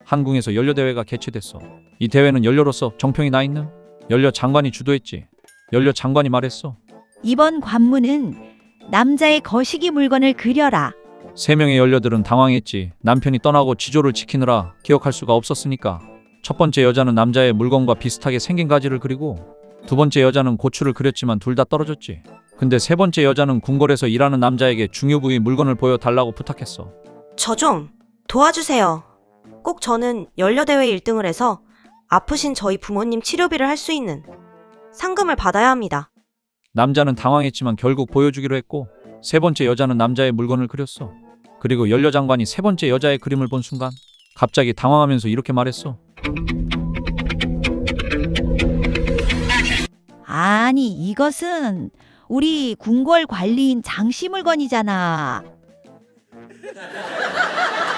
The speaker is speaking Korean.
한궁에서 연료대회가 개최됐어. 이 대회는 연료로서 정평이 나 있는 연료 장관이 주도했지. 연료 장관이 말했어. 이번 관문은 남자의 거시기 물건을 그려라. 3명의 연료들은 당황했지. 남편이 떠나고 지조를 지키느라 기억할 수가 없었으니까. 첫 번째 여자는 남자의 물건과 비슷하게 생긴 가지를 그리고 두 번째 여자는 고추를 그렸지만 둘 다 떨어졌지. 근데 세 번째 여자는 궁궐에서 일하는 남자에게 중요 부위 물건을 보여달라고 부탁했어. 저 좀 도와주세요. 꼭 저는 연료대회 1등을 해서 아프신 저희 부모님 치료비를 할 수 있는 상금을 받아야 합니다. 남자는 당황했지만 결국 보여주기로 했고 세 번째 여자는 남자의 물건을 그렸어. 그리고 연료 장관이 세 번째 여자의 그림을 본 순간 갑자기 당황하면서 이렇게 말했어. 아니, 이것은 우리 궁궐 관리인 장씨 물건이잖아.